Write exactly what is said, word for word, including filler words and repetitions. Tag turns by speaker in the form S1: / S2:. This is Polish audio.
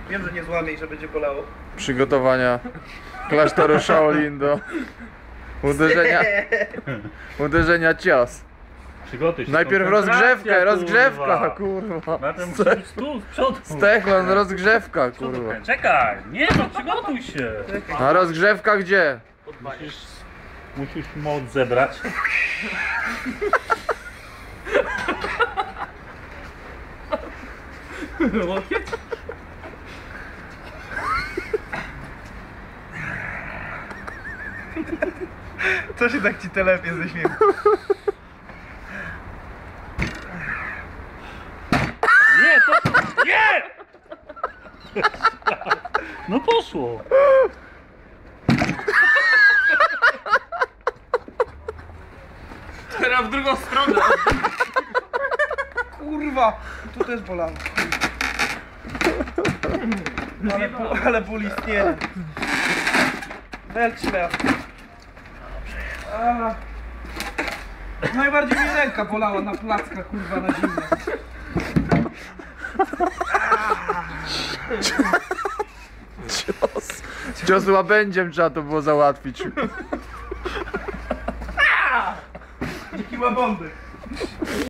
S1: Wiem, że nie złamie i że będzie bolało.
S2: Przygotowania klasztoru Shaolin do uderzenia, uderzenia cios.
S3: Przygotuj się.
S2: Najpierw rozgrzewkę, rozgrzewka, kurwa.
S3: Najpierw musisz tu, z przodu.
S2: Stechlan, rozgrzewka, kurwa.
S3: Czekaj, nie no, przygotuj się.
S2: A rozgrzewka gdzie?
S3: Musisz, musisz moc zebrać.
S1: Co się tak ci telepie ze śmiechu?
S3: Nie, to... Nie! No poszło.
S4: Teraz w drugą stronę.
S1: Kurwa! Tu też bolało. Ale, ale ból istnieje. Welcz świat. A. Najbardziej mi ręka bolała na plackach, kurwa, na zimno.
S2: Cios. Cios łabędziem trzeba to było załatwić.
S1: Dziki łabądy.